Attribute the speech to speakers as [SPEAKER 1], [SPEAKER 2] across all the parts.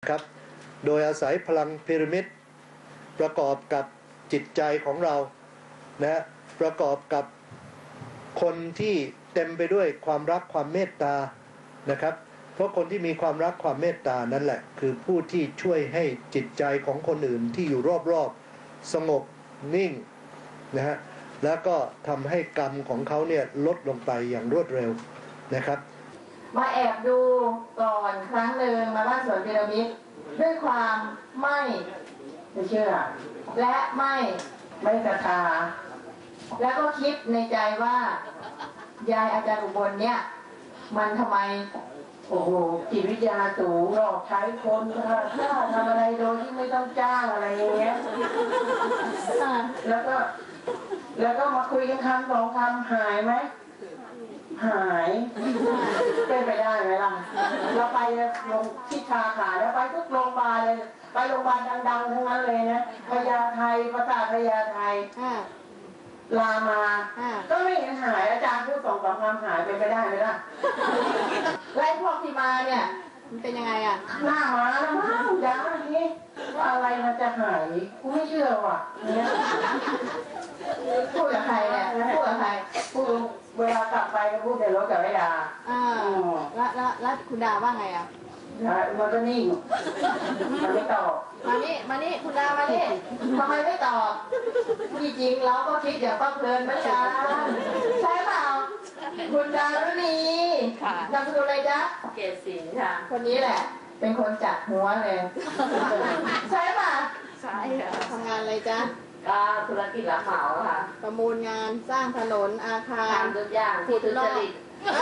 [SPEAKER 1] ครับโดยอาศัยพลังพีระมิดประกอบกับจิตใจของเรานะประกอบกับคนที่เต็มไปด้วยความรักความเมตตานะครับเพราะคนที่มีความรักความเมตตานั่นแหละคือผู้ที่ช่วยให้จิตใจของคนอื่นที่อยู่รอบๆสงบนิ่งนะฮะแล้วก็ทำให้กรรมของเขาเนี่ยลดลงไปอย่างรวดเร็วนะครับ
[SPEAKER 2] มาแอบดูก่อนครั้งหนึ่งมาบ้านสวนพีระมิดด้วยความไม่เชื่อและไม่ศรัทธาแล้วก็คิดในใจว่ายายอาจารย์อุบลเนี่ยมันทำไมโอ้โหจิตวิทยาสูงหลอกใช้คนฆ่าทำอะไรโดยที่ไม่ต้องจ้างอะไรอย่างเงี้ยแล้วก็มาคุยกันคำสองคำหายไหมหายเป็นไปได้ไหมล่ะเราไปลงที่ชาขาแล้วไปทุกโรงพยาบาลเลยไปโรงพยาบาลดังๆทั้งนั้นเลยนะพญาไทประสาทพญาไทรามาก็ไม่เห็นหายอาจารย์พูดสองสามคำหายเป็นไปได้ไหมล่ะไล่พวกที่มาเนี่ยมันเป็นยังไงอ่ะหน้ามาแล้วมั้งยาอย่างนี้ว่าอะไรมันจะหายกูไม่เชื่อว่ะเนี่ยพูดกับใครเนี่ยพูดกับใครพูดเวลากลับไปก็พูดในรถกับแม่ดา
[SPEAKER 3] แล้วคุณดาว่าไงอ่ะ
[SPEAKER 2] มันก็นิ่งมันไม่ตอบมานี่คุณดามานี่ทำไมไม่ตอบที่จริงเราก็คิดอย่างป้าเพลินเหมือนกันใช่เปล่าคุณดารุณีนามสกุลอะไรจ๊ะ
[SPEAKER 3] เกศศิลป์ค่ะ
[SPEAKER 2] คนนี้แหละเป็นคนจัดหัวเลยใช่ป่ะ
[SPEAKER 3] ใช่ค่ะ
[SPEAKER 2] ทำงานอะไรจ๊ะ
[SPEAKER 3] ก็ธุรกิจรับเหมาค่ะ
[SPEAKER 2] ประมูลงานสร้างถนนอาคาร
[SPEAKER 3] ทำทุกอย่างที่ทุจริต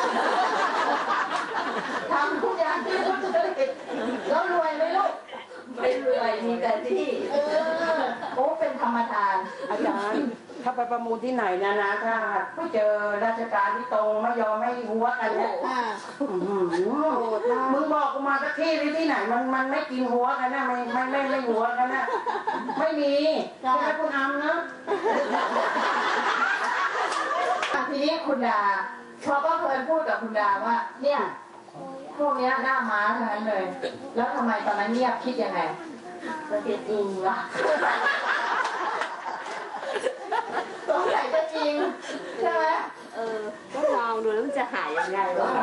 [SPEAKER 2] ทำทุกอย่างที่ทุจริตแล้วรวยไหมลูก
[SPEAKER 3] ไม่รวยมีแต่ที่
[SPEAKER 2] โอ้เป็นธรรมทาน
[SPEAKER 4] อาจารย์ถ้าไปประมูลที่ไหนนะถ้าไม่เจอราชการที่ตรงไม่ยอมไม่หัวกันเนี่ยมึงบอกกูมาสักที่ที่ไหนมันไม่กินหัวกันนะไม่หัวกันนะไม่มีใช่ไหมคุณอำนะ
[SPEAKER 2] ทีนี้คุณดาพอก็เคยพูดกับคุณดาว่าเนี่ยพวกนี้หน้าม้าทั้งนั้นเลยแล้วทำไมตอนนั้นเงียบคิดยังไง
[SPEAKER 3] มันเป็นจริงวะ
[SPEAKER 2] สงสัยจะจริงใช่ไหม
[SPEAKER 3] ก็ลองดูแล้วมันจะหายยังไงวะ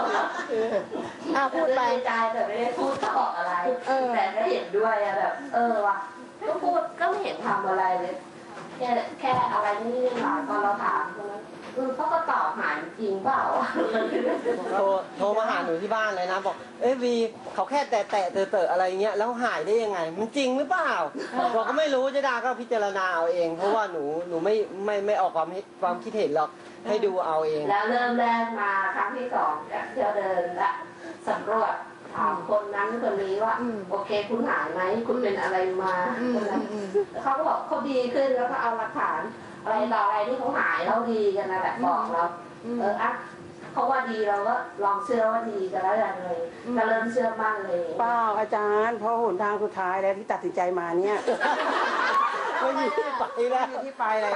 [SPEAKER 2] พูดไป
[SPEAKER 3] ใจแต่ไม่ได้พูดตอบอะไรแต่ก็เห็นด้วยอะแบบว่ะก็พูดก็ไม่เห็นทำอะไรเลยแค่อะไรนี่หลายตอนเราถามเขาก็ตอบหายจริงเปล่า
[SPEAKER 5] โทรมาหาหนูที่บ้านเลยนะบอกวีเขาแค่แตะอะไรเงี้ยแล้วหายได้ยังไงมันจริงหรือเปล่าบอกก็ไม่รู้เจดาก็พิจารณาเอาเองเพราะว่าหนูไม่ออกความคิดเห็นหรอกให้ดูเอาเอง
[SPEAKER 3] แล้วเริ่มแรกมาครั้งที่2เที่ยวเดินและสำรวจถามคนนั้นคนนี้ว่าโอเคคุณหายไหมคุณเป็นอะไรมาเขาก็บอกเขาดีขึ้นแล้วก็เอาหลักฐานอะไรต่ออะไรที่เขาหายเราดีกันนะแบบบอกเราเขาว่าดีเราก็ลองเชื่อว่าดีกันแล้วอย่างเลยก็เริ่มเชื่อมั่นเลย
[SPEAKER 4] เปล่าอาจารย์เพราะหนทางสุดท้ายแล้วที่ตัดสินใจมาเนี่ย
[SPEAKER 5] ไม่มีที่ไปแล้ว
[SPEAKER 4] ที่ไปอะไร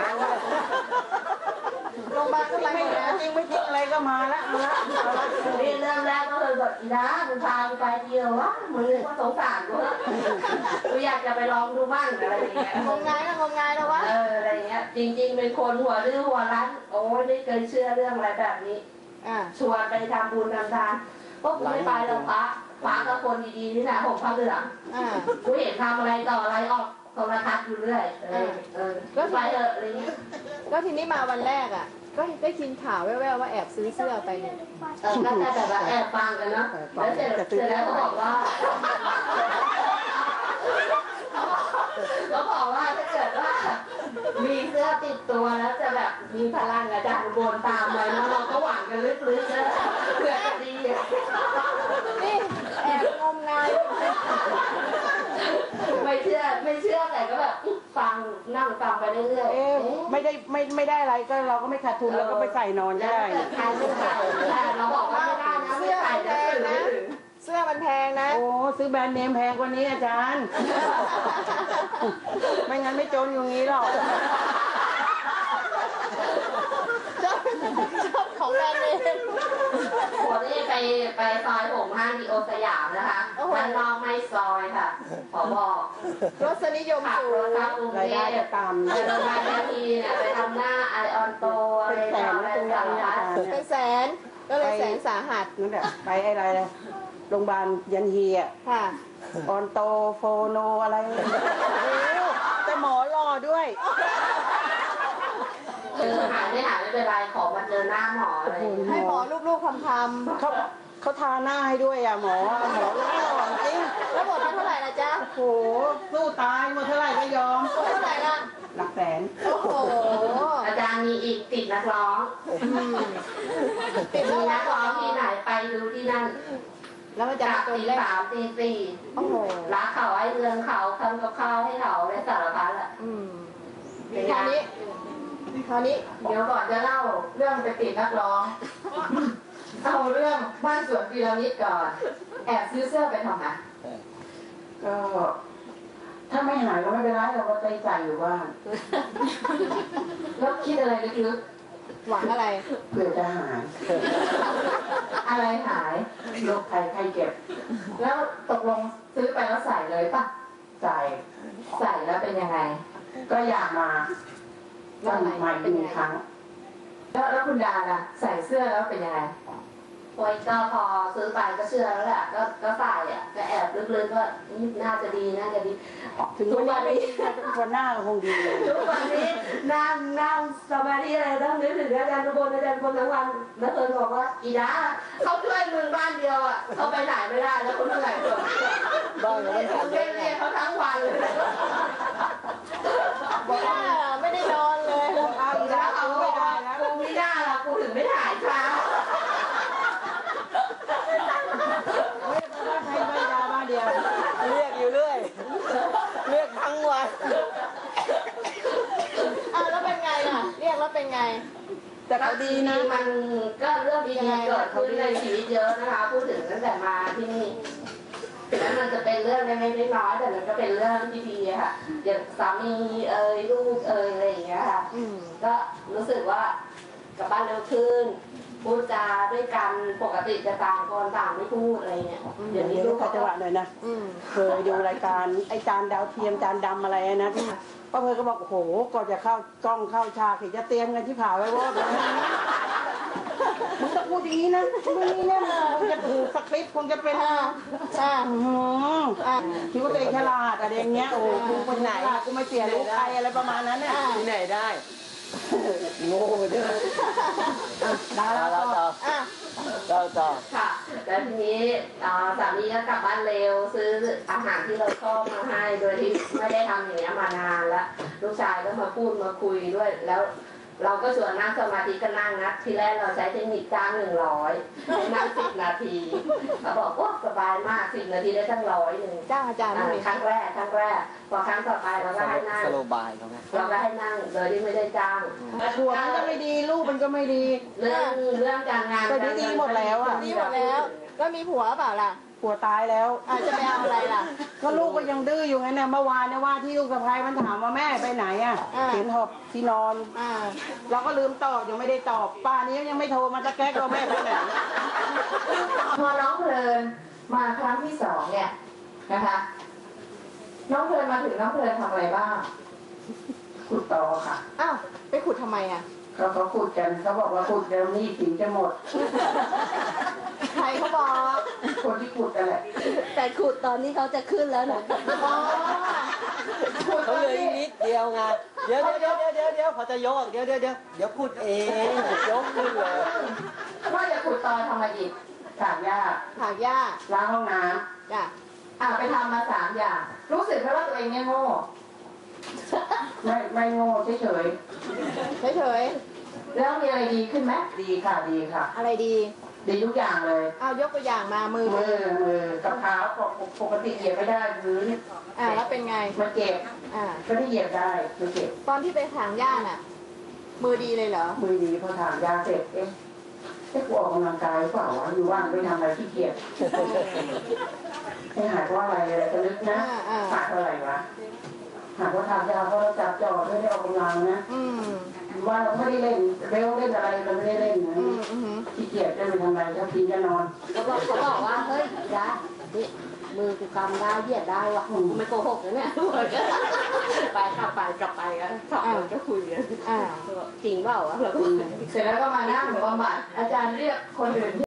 [SPEAKER 2] โรงพยาบาลก็ไปแล้ว
[SPEAKER 4] จริงไม่จริงอะไรก็มาแล้ว
[SPEAKER 3] นี่เริ่มแรกก็เลยแบบอีนะมึงพาไปเดียววะมึงก็สงสารกูอยากจะไปลองดูบ้างอะไรอย่างเงี้ย
[SPEAKER 2] งมงายแล้ววะ
[SPEAKER 3] อะไรเงี้ยจริงๆเป็นคนหัวดื้อหัวรั้นโอ้ยไม่เคยเชื่อเรื่องอะไรแบบนี้ชวนไปทำบุญทำทานก็กูไม่ไปหรอกพระกับคนดีๆนี่แหละผมพระเหลืองกูเห็นทำอะไรต่ออะไรออกโทรทัศน์อยู่เรื่อยก็ไปอะไรเงี้ย
[SPEAKER 2] ก็ทีนี้มาวันแรกก็ได้ยินข่าวแว่วๆว่าแอบซื้อเสื้อไปเนี่ย
[SPEAKER 3] ก็แค่แบบว่าแอบฟังกันเนาะแล้วเสร็จแล้วก็บอกว่าถ้าเกิดว่ามีเสื้อติดตัวแล้วจะแบบมีพลังอาจารย์บนตามไว้แล้วเราก็หวังกันลึกๆนะเพื่อจะดี
[SPEAKER 2] นี่แอบงมงาย
[SPEAKER 3] ไม่เชื่อแต่ก็แบบฟังนั่งฟังไปเรื่อย
[SPEAKER 4] ๆไม่ได้อะไรก็เราก็ไม่ขาดทุนแล้วก็ไปใส่นอนได้
[SPEAKER 3] ใครไม่ใส่เราบอกว่าไม่ได้นะไม่ใส่
[SPEAKER 2] แพงนะเสื้อมันแพงนะ
[SPEAKER 4] โอ้ซื้อแบรนด์เนมแพงกว่านี้อาจารย์ไม่งั้นไม่จนอย่างนี้หรอก
[SPEAKER 2] ชอบของแบรนด์เนม
[SPEAKER 3] คนที่ไปไปซอยผมห้างดีโอสยามนะคะมันนอกไม่ซอยค่ะขอบอก
[SPEAKER 6] รสนิยม
[SPEAKER 3] ขับ
[SPEAKER 6] สู
[SPEAKER 3] รง ถเข้ากรุงเท
[SPEAKER 2] รายได้
[SPEAKER 3] พ
[SPEAKER 2] จะตาม
[SPEAKER 3] ไปโรงพยาบาลทีเนี่ยไปทำหน้าไอออนโตอะไร
[SPEAKER 2] แสน
[SPEAKER 3] อะไร
[SPEAKER 2] ตรงนี้
[SPEAKER 3] สาร
[SPEAKER 2] อา
[SPEAKER 3] พัด
[SPEAKER 2] จารย์
[SPEAKER 6] เป็
[SPEAKER 2] เนี่ย
[SPEAKER 6] นแสนก็เลยแสนสาหัส
[SPEAKER 2] นั่นแหละไปอะไรเลยโรงพยาบาลยันฮีอ่ะ
[SPEAKER 6] ค่ะ
[SPEAKER 2] ออนโตโฟโนอะไรโอ้แต่หมอรอด้วย
[SPEAKER 3] คือหายไม่หายไม่เป็นไรขอมาเจอหน้าหมออะไรอย่างเงี้ย
[SPEAKER 6] ให้หมอลูกๆคำ
[SPEAKER 2] เขาทาหน้าให้ด้วยอ่ะหมอหมอหล่อจริง
[SPEAKER 6] ๆแล้วหมดไปเท่าไหร่ละจ๊ะ
[SPEAKER 2] โหสู้ตายหมดเท่าไหร่ก็ยอม
[SPEAKER 6] หมดเท่าไหร่ละ
[SPEAKER 2] หลักแสน
[SPEAKER 6] โอ้โห
[SPEAKER 3] อาจารย์มีอีกติดนักร้อง
[SPEAKER 6] ติด
[SPEAKER 3] มี
[SPEAKER 6] แล้ว
[SPEAKER 3] นักร้องที่ไหนไปดูที่นั่น
[SPEAKER 6] แล้วมันจะ
[SPEAKER 3] จาก
[SPEAKER 6] มาจน
[SPEAKER 3] ตี
[SPEAKER 6] เล่น
[SPEAKER 3] 3 ตี
[SPEAKER 6] โอ้โห
[SPEAKER 3] 4รักเขาให้เรื่องเขาทำกับข้าวให้เขาและสารพัดอ่ะ
[SPEAKER 6] อืมคราวนี้
[SPEAKER 4] เดี๋ยวก่อนจะเล่าเรื่องไปติดนักร้อง เอาเรื่องบ้านสวนพีระมิดก่อน แอบซื้อเสื้อไปทำไมก็ ถ้าไม่หายก็ไม่เป็นไรเราก็ใจใจอยู่บ้าน แล้วคิดอะไรลึก
[SPEAKER 6] หวังอะไร
[SPEAKER 4] ๆเผื่อจะหาย อะไรหายโรคภัยไข้เจ็บ แล้วตกลงซื้อไปแล้วใส่เลยปะใส่แล้วเป็นยังไง ก็อยากมาตั้งใหม่เป็นครั้ง แล้วคุณดาล่ะใส่เสื้อแล้วเป็นยังไง
[SPEAKER 3] โอ้ยก็พอซื้อไปก็เชื่อแล้วแหละก็ใส่อ่ะก็แอบลึกๆว่านี่น่าจะดีน่าจะดี
[SPEAKER 2] ถึงวันนี้วันหน้าก็คงดีเลย
[SPEAKER 3] ทุกวันนี้นั่งสมาธิอะไรต้องนึกถึงอาจารย์ทุกคนทั้งวันแล้วเอิญบอกว่าอีดาเขาช่วยมึงบ้านเดียวอ่ะเขาไปไหนไม่ได้แล้วคนเหนื่อยหมด
[SPEAKER 5] บ้านเราไม่
[SPEAKER 3] เขา
[SPEAKER 5] ทำ
[SPEAKER 3] เรียกเขาทั้งวันเลย
[SPEAKER 6] ไม่ได้ไม่ได้นอนเลย
[SPEAKER 2] เอาอีก
[SPEAKER 3] แล้
[SPEAKER 2] แล้ว ว
[SPEAKER 3] เขา
[SPEAKER 2] เอา
[SPEAKER 3] บ
[SPEAKER 2] ไม่
[SPEAKER 3] อก
[SPEAKER 2] ได้
[SPEAKER 3] ว่า
[SPEAKER 2] แล้ว
[SPEAKER 3] กูไม่ได้หรอกกูถึงไม่ถ่ายเช้า
[SPEAKER 2] ไม่ได้ใช้ใบยาบ้านเดียว
[SPEAKER 5] เรียกอยู่เรื่อยเรียกทั้งวัน
[SPEAKER 6] อ้าวแล้วเป็นไงล่ะ เรียกแล้วเป็นไง
[SPEAKER 2] แต่เขาดีนะ
[SPEAKER 3] มันก็เรื่องดีๆเกิดขึ้นในชีวิตเยอะนะคะพูดถึงตั้งแต่มาที่นี่แล้วมันจะเป็นเรื่องเล็กๆน้อยๆแต่มันก็เป็นเรื่องที่ดีอะค่ะอย่างสามีลูกอะไรอย่างเงี้ยค่ะ
[SPEAKER 6] อืม
[SPEAKER 3] ก็รู้สึกว่ากลับบ้านเร็วขึ้นพูดจาด้วยกันปกติจะต่างคนต่างไม่พูดอะไรเงี้ยเดี๋ยวนี้
[SPEAKER 2] เดี๋ยว
[SPEAKER 3] ลู
[SPEAKER 2] ลู
[SPEAKER 3] ก
[SPEAKER 2] ก
[SPEAKER 3] เขา
[SPEAKER 2] เขา
[SPEAKER 3] จะ
[SPEAKER 2] จะว่าหน่อยนะ
[SPEAKER 6] อืม
[SPEAKER 2] เคยดูรายการไอ้จานดาวเทียมจานดำอะไรนะที่ป้าเพยก็บอกโอ้โหก่อนจะเข้ากล้องเข้าฉากเห็นจะเตรียมกันที่ผ่าไว้ว่ามึงต้องพูดอย่างนี้นะมึงนี่นะคงจะถูกสคริปต์คงจะเป็น
[SPEAKER 6] อ่าอ่า
[SPEAKER 2] คิดว่าตัวเองฉลาดอะไรอย่างเงี้ยโอ้โหกูเป็นฉลาดกูไม่เสียลูกใครอะไรประมาณนั้นเนี่ย
[SPEAKER 5] ที่ไหนได้ โง่เด้อ
[SPEAKER 2] ดารา
[SPEAKER 5] เรา
[SPEAKER 2] ต่
[SPEAKER 5] ต่
[SPEAKER 2] อ
[SPEAKER 5] อ
[SPEAKER 6] อ่ะ
[SPEAKER 5] ต่อ
[SPEAKER 3] ค่ะแล้วทีนี้สามีก็กลับบ้านเร็วซื้ออาหารที่เราชอบมาให้โดยที่ไม่ได้ทำอย่างนี้ยมานานแล้วลูกชายก็มาพูดมาคุยด้วยแล้ว เราก็ชวนนั่งสมาธิก็นั่งนะทีแรกเราใช้เทคนิคจ้าง100ให้นั่ง10 นาทีเขาบอกว่าสบายมาก10 นาทีได้ตั้ง100
[SPEAKER 6] จ้างอาจารย์
[SPEAKER 3] ครั้งแรกพอครั้งต่อไปเราก็ให้นั่ง
[SPEAKER 5] สโลบายเขาไหม
[SPEAKER 3] เราก็ให้นั่งโดยที่ไม่ได้จ้าง
[SPEAKER 2] ผัวมันก็ไม่ดีลูกมันก็ไม่ดี
[SPEAKER 3] เรื่องการงาน
[SPEAKER 2] แต่ดีๆหมดแล้วอะ
[SPEAKER 6] ดีหมดแล้ว ก็มีผัวเปล่าล่ะ
[SPEAKER 2] ผัวตายแล้ว
[SPEAKER 6] อาจจะไปเอาอะไรล่ะ
[SPEAKER 2] ก็ลูกก็ยังดื้ออยู่ไงเนี่ยเมื่อวานเนี่ยว่าที่ลูกสะพ้ายมันถามว่าแม่ไปไหนอ่ะ
[SPEAKER 6] อ่า
[SPEAKER 2] เห็นหอบที่นอน
[SPEAKER 6] อ่า
[SPEAKER 2] เราก็ลืมตอบยังไม่ได้ตอบป้านี้ยังไม่โทรมาจะแก้ก็แม่ไปไหน
[SPEAKER 4] พอน้องเพลินมาครั้งที่สองเนี่ยนะคะ น้องเพลินมาถึงน้องเพลินทำอะไรบ้างขุดต่อค่ะ
[SPEAKER 6] อ้าว ไปขุดทำไมอ่ะ
[SPEAKER 4] เขาขุดกันเขาบอกว่าขุดเดี๋ยวนี้ถึงจะหมด
[SPEAKER 6] ใครเขาบอก
[SPEAKER 4] คนที่ขุดนั่นแหละ
[SPEAKER 3] แต่ขุดตอนนี้เขาจะขึ้นแล้วนะ
[SPEAKER 6] อ๋อ
[SPEAKER 4] ขุด
[SPEAKER 5] เขาเหลืออีกนิดเดียวไงเดี๋ยวพอจะยกเดี๋ยวพูดเองยกขึ้นเลย
[SPEAKER 4] ว่าจะขุดต่อทำมาอีก3 อย่าง
[SPEAKER 6] ถากหญ้า
[SPEAKER 4] ล้างห้องน้
[SPEAKER 6] จ้ะ
[SPEAKER 4] ำไปทำมา3 อย่าง รู้สึกไหมว่าตัวเองเนี่ยโง่ไม่โง่เฉย
[SPEAKER 6] เฉย
[SPEAKER 4] ๆแล้วมีอะไรดีขึ้นไหมดีค่ะดีค่ะ
[SPEAKER 6] ๆ อะไรดี
[SPEAKER 4] ดีทุกอย่างเลย
[SPEAKER 6] เอายกตัวอย่างมา มือ
[SPEAKER 4] มือกับเท้าปกติเหยียบไม่ได้พื้น
[SPEAKER 6] แล้วเป็นไง
[SPEAKER 4] มันเจ็บ
[SPEAKER 6] อ่า
[SPEAKER 4] ก็ได้เหยียบได้มันเจ็บ
[SPEAKER 6] ตอนที่ไปถางหญ้าน่ะ มือดีเลยเหรอ
[SPEAKER 4] มือดีพอถามยาเสร็จกูออกกำลังกายเปล่าวะอยู่ว่างไปทำอะไรขี้เกียจไม่หายเพราะอะไรจะลึกนะหายเพราะอะไรวะหายเพราะทานยาเพราะเราจับจอดไม่ได้ออกกำลังนะ
[SPEAKER 6] อืม
[SPEAKER 2] ว่าเราไม่ได้เล่นเบลเล่นอะไรเราไม่ได้เล่นนะ ขี้เกียจจะไปทำอะไรจะกินจะนอน
[SPEAKER 3] เขาบอกว่าเฮ้ยยานี่มือกูกำได้เหยียดได้วะกูไม่โกหกนะเนี่ยไปกลับไปกันสองคนก็คุยกันจริงเปล่าวะเรา
[SPEAKER 4] เสร็จแล้วก็มานั่งบำบัดอาจารย์เรียกคนอื่น